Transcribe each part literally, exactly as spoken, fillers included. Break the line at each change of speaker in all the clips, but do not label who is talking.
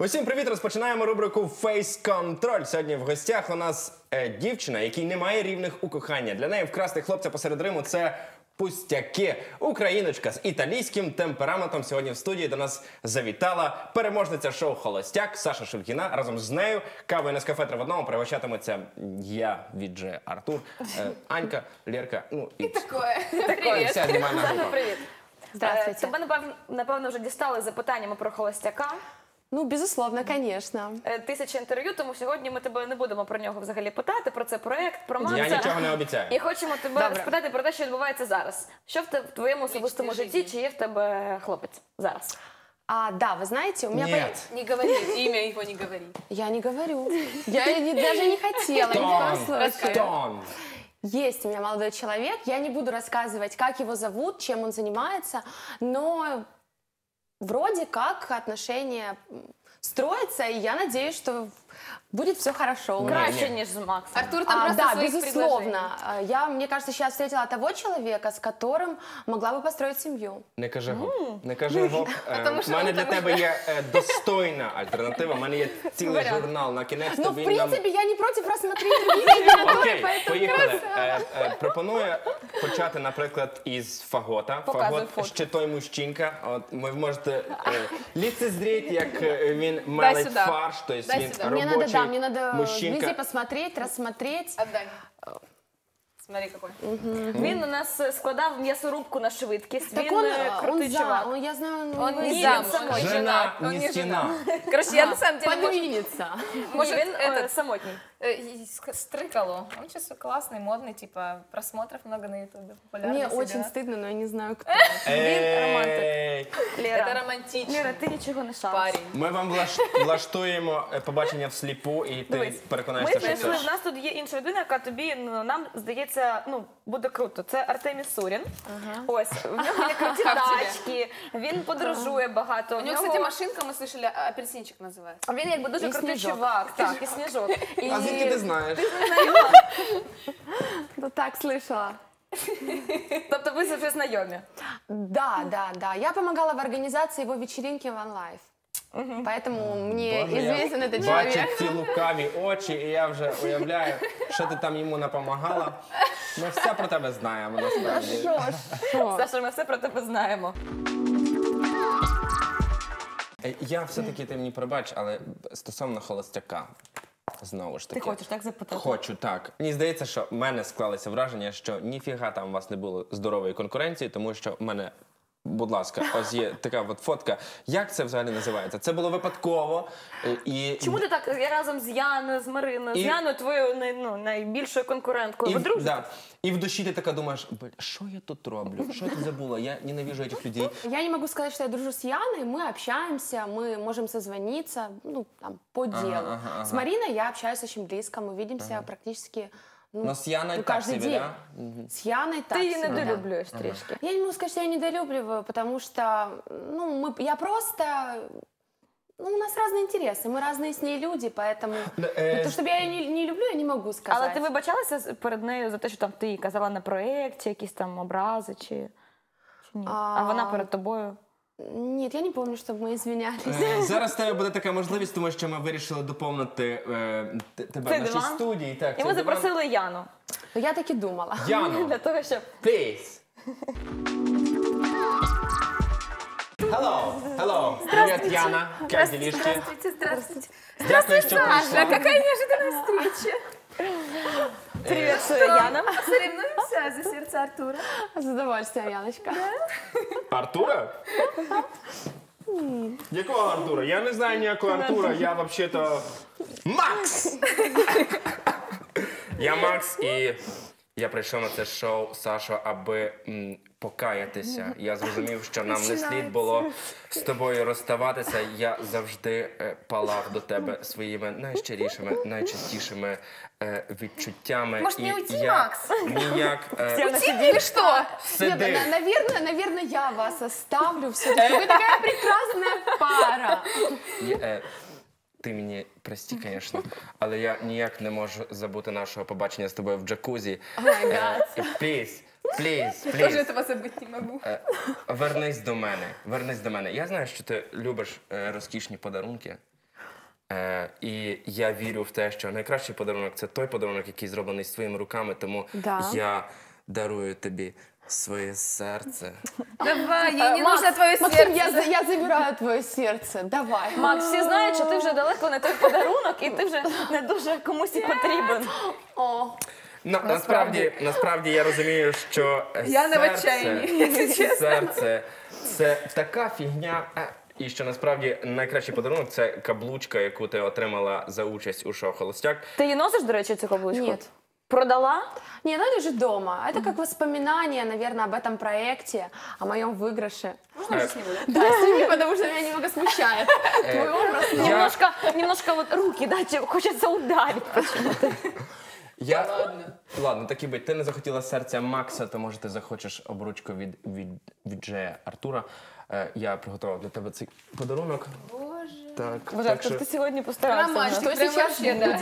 Усім привіт! Розпочинаємо рубрику «Фейс Контроль». Сьогодні в гостях у нас е, дівчина, якій немає рівних у кохання. Для неї вкрасти хлопця посеред Риму – це пустяки. Україночка з італійським темпераментом сьогодні в студії до нас завітала переможниця шоу «Холостяк» Саша Шульгіна. Разом з нею кавою Нескафе три в одному пригощатиметься я, Відже Артур, е, Анька, Лєрка, ну і...
І таке.
Привіт. Вся знімальна група.
Привіт.
Здравствуйте.
Тебе, напевно, напевно, вже дістали запитаннями про холостяка.
Ну, безусловно, конечно.
Тисячі інтерв'ю, тому сьогодні ми тебе не будемо про нього взагалі питати, про цей проект, про Макса.
Я нічого не обіцяю.
І хочемо тебе
Добре.
спитати про те, що відбувається зараз. Що в, те, в твоєму особистому житті, чи є в тебе хлопець зараз?
А, да, вы знаете, у меня...
Нет.
Не говори, имя его не говори.
Я не говорю. Я не- даже не хотела, ни в коем случае.
Тон.
Есть у меня молодой человек, я не буду рассказывать, как его зовут, чем он занимается, но вроде как отношения строятся, и я надеюсь, что будет все хорошо. у нас.
Краще,
ні.
ніж з Максом.
Артур там
А,
просто
да,
своих
безусловно. А, Я, мне кажется, сейчас встретила того человека, с которым могла бы построить семью.
Не кажи гоп. Не кажи гоп. Е,
Тому
У
що
мене
ви
для
там
тебе є е, достойна альтернатива. У мене є цілий журнал на кінець.
Но, в
тобі нам-
принципе, я не против рассмотреть другие кандидатуры,
Окей,
поэтому...
поїхали. Е, е, пропоную почати, наприклад, із Фагота.
Показуй
Фагот
фото.
ще той мужчинка. От ви можете е, ліцезріть, як е, він мелить
сюди.
фарш, тобто
Дай
він
сюди.
Мне надо,
робочий
да, мне надо везде
мужчинка.
посмотреть, рассмотреть.
Отдай. Смотри, какой.
Він у нас е, складав м'ясорубку на швидкість.
Так
Він
он,
е,
он
крутий
за,
чувак.
он, я знаю, он,
Он
его
не
Ні,
замуж,
він самотній.
он
Жена,
женат, он
не
не
стіна.
женат. Короче, я на самом деле... может,
подвинется.
Может,
Він е,
этот,
самотній.
э, и ск- Стрыкало. Он сейчас классный, модный, типа, просмотров много на ютубе, популярный.
Мне
все
очень
дела.
стыдно, но я не знаю, кто.
Ей!
Это
Лера,
романтично.
Лера, ти нічого не шариш.
Парень.
Ми вам влаш- влаштуємо е, побачення всліпу, і ти
Дивись,
переконаєшся,
Ми
що
знайшли,
це...
в нас тут є інша людина, яка тобі, ну, нам здається, ну, буде круто. Це Артемій Сурін. Ось, в нього є круті
Как тебе?
тачки, він подорожує багато.
У
в
него,
нього-
кстати, машинка, мы слышали, а- апельсинчик называется.
Він якби дуже
І
крутий
Сніжок.
чувак, так, і Сніжок. І...
А звідки ти знаєш?
Ну так, слышала.
Тобто ви вже знайомі.
Да, да, да. Я помогала в организации его вечеринки в OneLife. Поэтому мне
Боже, я
известен этот
бачу
человек.
ці лукаві очі, і я вже уявляю, що ти там йому напомагала. Ми все про тебе знаємо, насправді.
Шо, шо?
Саша, ми все про тебе знаємо.
Е, Я все-таки, ти мені пробач, але стосовно холостяка, знову ж таки.
Ти хочеш так запитати?
Хочу, так. Мені здається, що в мене склалося враження, що ніфіга там у вас не було здорової конкуренції, тому що в мене, будь ласка, ось є така от фотка. Як це взагалі називається? Це було випадково е, і...
Чому ти так, я разом з Яною, з Мариною,
І-
з Яною, твоєю най- ну, найбільшою конкуренткою,
І,
ви
в-
дружите?
да. І в душі ти така думаєш, «Бля, що я тут роблю? Що я тут забула? Я ненавижу цих людей.
Я не могу сказать, что я дружу с Яной. Мы общаемся, мы можем созвониться, ну, там, по делу.
ага, ага.
С Мариной я общаюсь очень близко, мы видимся практически, ну,
Но з Яною
ну,
так
каждый
собі,
день.
да?
С Яной так
Ти її
себе, да.
недолюблюєш трішки.
Я не могу сказать, что я недолюбливаю, потому что, ну, мы, я просто... Ну, у нас разные интересы, мы разные с ней люди, поэтому...
э,
Ну, то, чтобы я ее не, не люблю, я не могу сказать.
Але ти вибачалася з- перед нею за те, що там ти їй казала на проєкті, якісь там образи, чи, чи ні? А...
А,
вона перед тобою?
Нет, я не помню, чтобы мы извинялись.
Е, Зараз в тебе буде така можливість, тому що ми вирішили доповнити е, т- тебе
Цей
в нашій
диван?
студії. Так,
І
цей
ми
диван.
запросили Яну.
Но я так и думала.
Яну,
Для того, щоб...
please. Hello, hello. Привіт, Яна. Як ділішки?
Здравствуйте, здравствуйте.
Дякую, що
Саша,
прийшла.
какая неожиданная встреча.
Привіт, Яна.
Соревнуемся за сердце Артура.
С удовольствием, Яночка.
Артура? Якого Артура? Я не знаю ніякого Артура, я взагалі-то Макс! Я Макс, і я прийшов на це шоу, Сашо, аби м, покаятися. Я зрозумів, що нам не слід було з тобою розставатися. Я завжди е, палав до тебе своїми найщирішими, найчистішими е, відчуттями.
Может, не
І
уйти,
я
Макс?
ніяк... е,
Уйти или что?
Нет,
Сиди.
на- наверное, наверное, я вас оставлю все-таки. Вы такая прекрасная пара.
Я, е, Ти мені прости, звісно, але я ніяк не можу забути нашого побачення з тобою в джакузі.
О май гад.
Пліз, пліз,
Тоже
пліз.
этого забыть не могу.
Вернись до мене, вернись до мене. Я знаю, що ти любиш е, розкішні подарунки. Е, і я вірю в те, що найкращий подарунок – це той подарунок, який зроблений своїми руками, тому
Да.
я дарую тобі своє серце.
Давай, ей не
Макс,
нужно твое
Максим,
сердце.
я, за- я забираю твое сердце. Давай.
Макс, всі знають, що ти вже далеко не той подарунок, і ти вже не дуже комусь і потрібен.
О,
На, насправді, насправді я розумію, що
Я не в
серце,
отчаянні, якщо чесно.
серце це така фігня. е, І що насправді найкращий подарунок це каблучка, яку ти отримала за участь у шоу «Холостяк».
Ти її носиш, до речі, цю каблучку?
Нет.
Продала?
не, она лежит дома. Это как воспоминание, наверное, об этом проекте, о моем выигрыше.
Е,
Да, сними, потому что меня немного смущает. Твой образ.
я,
Немножко, немножко вот руки, да, тебе хочеться ударить.
я, ладно. ладно, так і бить. Ти не захотіла серця Макса, то може ти захочеш обручку від, від, від Джея Артура. Е, я приготував для тебе цей подарунок.
Боже.
Так,
Боже,
так
то
що...
ти сьогодні постарався.
Романтик.
Что
Прям
сейчас
вообще, да.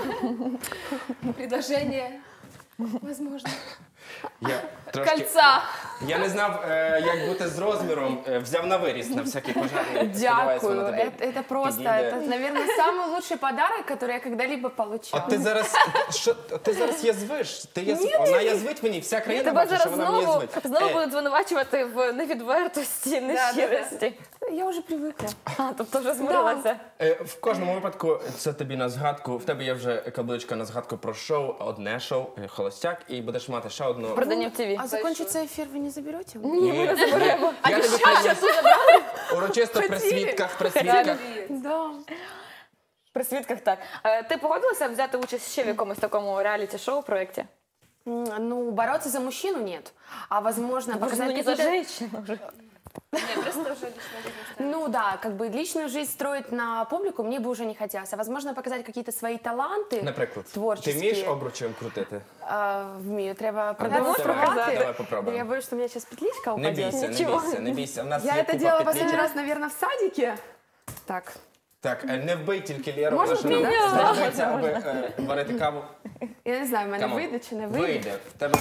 будет?
Предложение. Возможно.
Я трошки...
Кольца.
Я не знав, е, як бути з розміром. Е, взяв на виріс на всякий пожарний. Сподіваюся,
Дякую.
воно тобі
Это, это просто,
підійде.
это, наверное, самый лучший подарок, который я когда-либо
А
получала.
ти зараз, що, ти зараз язвиш? Ти язв... Вона язвить мені, вся країна
Тебе
бачить, що
зараз
вона мені
знову,
язвить.
знову
Е,
будуть звинувачувати в невідвертості, нещирості.
Я уже привыкла.
А, тобто вже змирилася.
е, в кожному випадку це тобі на згадку. В тебе є вже каблучка на згадку про шоу, одне шоу, е, «Холостяк», і будеш мати ще одну.
Продання в ТВ.
А закончится эфир вы не заберете?
Ні, ми не заберемо. Я тобі приніс. Урочисто при свідках, при свідках.
Да.
При свідках так. Е, Ти погодилася взяти участь ще в якомусь такому реаліті-шоу проєкті?
М, Ну, бороться за мужчину нет. А возможно,
Ну
показать
не за
какие-то...
женщину вже.
Не, просто уже лично жизнь.
Ну да, как бы личную жизнь строить на публику мне бы уже не хотелось. А возможно, показать какие-то свои таланти
Наприклад, ти
творческие.
вмієш обручем крутити?
А, вмію, треба
давай,
продемонструвати.
давай попробуємо.
Да я боюсь, что у меня сейчас петличка
Не
упадет.
бійся, не
Нічого.
бійся, не бійся. У нас
Я
є
это
купа
делала
петличок.
последний раз, наверное, в садике. Так.
Так, е, не вбий тільки Лєру,
Можна
тому що нам
прийняти?
знадобиться, аби е, варити каву.
Я не знаю, в мене
Камон.
вийде чи не вийде.
Вийде. В тебе...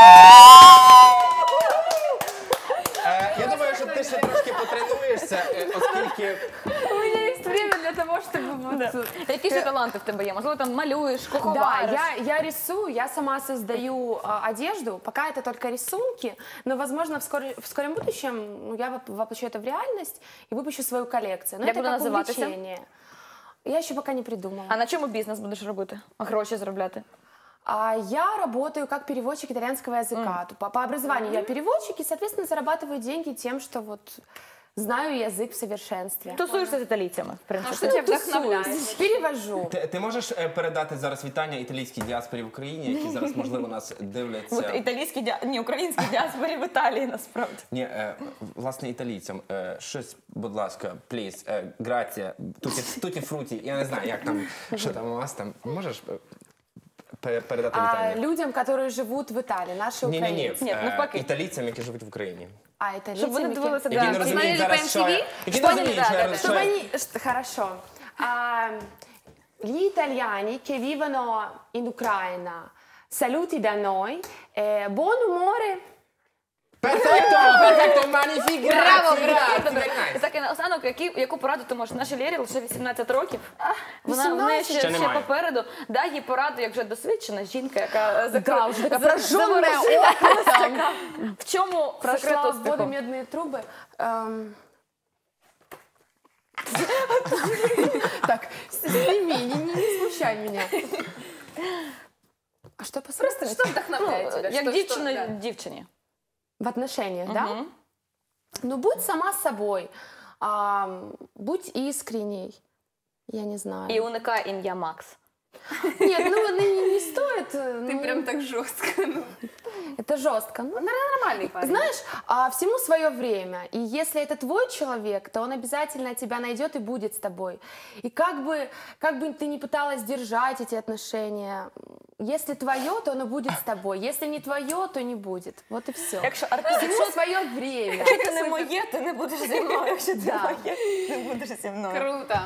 Е, Я думаю, що ти ще трошки потренуєшся, е, оскільки
У меня есть время для того, чтобы вот...
Які ще таланти в тебе є? Можливо, там малюєш,
Да,
куховариш?
я, я рисую, я сама создаю а, одежду. Пока это только рисунки, но, возможно, в, скоре- в скором будущем ну, я воп- воплощу это в реальность и выпущу свою коллекцию. Но
Як
это
буде
как
називатися?
увлечение. Я еще пока не придумала.
А на чому бізнес будеш робити? Гроші заробляти?
А я работаю как переводчик итальянского языка. По, по образованию я переводчик и, соответственно, зарабатываю деньги тем, что вот знаю язык в совершенстве.
Тусуєшся з італійцями, в
А
принципі.
что тебя вдохновляет?
Перевожу.
ти, ти можеш е, передати зараз вітання італійській діаспорі в Україні, які зараз, можливо, нас дивляться.
От італійські діа... ні, українські діаспорі в Італії насправді.
Ні, е, власне, італійцям. Е, щось, будь ласка, пліз, е, грація, туті, туті фруті. Я не знаю, як там, що там у вас там. Можеш е, пе- передати
А
вітання?
людям, которые живут в Италии, наши
Ні, ні, ні.
украинцы.
Ні, навпаки.
Італійцям, які живуть в Україні.
А итальянцы...
Щоб вони дивилися,
Які не
да.
розуміють
Смотрели
зараз,
по ем ті ві?
що... Які
Що
не
вони-
розуміють,
да,
що-
да, да.
що-
Чтобы они... ш- Хорошо. А, gli italiani che vivono in Ucraina, saluti da noi, eh, buon umore.
Перфекто! Перфекто! Маніфік!
Браво, браво! І так, і наостанок, які, яку пораду ти можеш? Нашій Лєрі лише вісімнадцять років. Вона в неї ще,
вісімнадцять?
Ще
ще
немає.
попереду. Дай їй пораду, як вже досвідчена жінка, яка закр...
Да, уже такая
за-
прожженная
заворожила.
опытом.
В чому секрет
Прошла в
успіху?
воду медные трубы. Эм. Так, сними, не, не, не смущай меня. А что посмотришь?
Что вдохновляет тебя?
Як
Что-
дівчина
что- да.
дівчині.
В отношениях, да?
Мгм.
Ну, будь сама собой. А, будь искренней. Я не знаю.
І уникай ім'я Макс.
Нет, ну не, не стоит.
Ты
ну,
прям так жестко. Ну,
Это жестко. Ну,
нормальный парень.
знаешь, а, всему свое время. И если это твой человек, то он обязательно тебя найдет и будет с тобой. И как бы, как бы ты ни пыталась держать эти отношения, если твое, то оно будет с тобой. Если не твое, то не будет. Вот и все.
Якщо артист,
Всему свое время.
якщо ти не моє, ти не будеш зі мною. Якщо ти
Да.
моє, ти будеш зі мною.
Круто.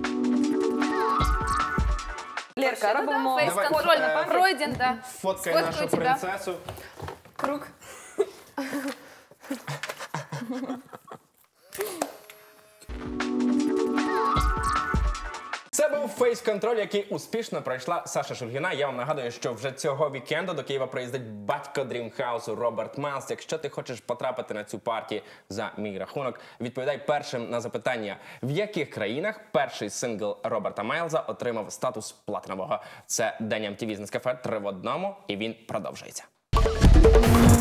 Лєрка, робимо
Фейс-контроль
Давай, е,
пройден, да.
Фоткай
Сфоткаю
нашу
тебя.
принцесу.
Круг.
Це був фейс-контроль, який успішно пройшла Саша Шульгіна. Я вам нагадую, що вже цього вікенду до Києва приїздить батько дрімхаусу Роберт Майлз. Якщо ти хочеш потрапити на цю партію за мій рахунок, відповідай першим на запитання, в яких країнах перший сингл Роберта Майлза отримав статус платинового. Це День ем ті ві з Нескафе три в одному, і він продовжується.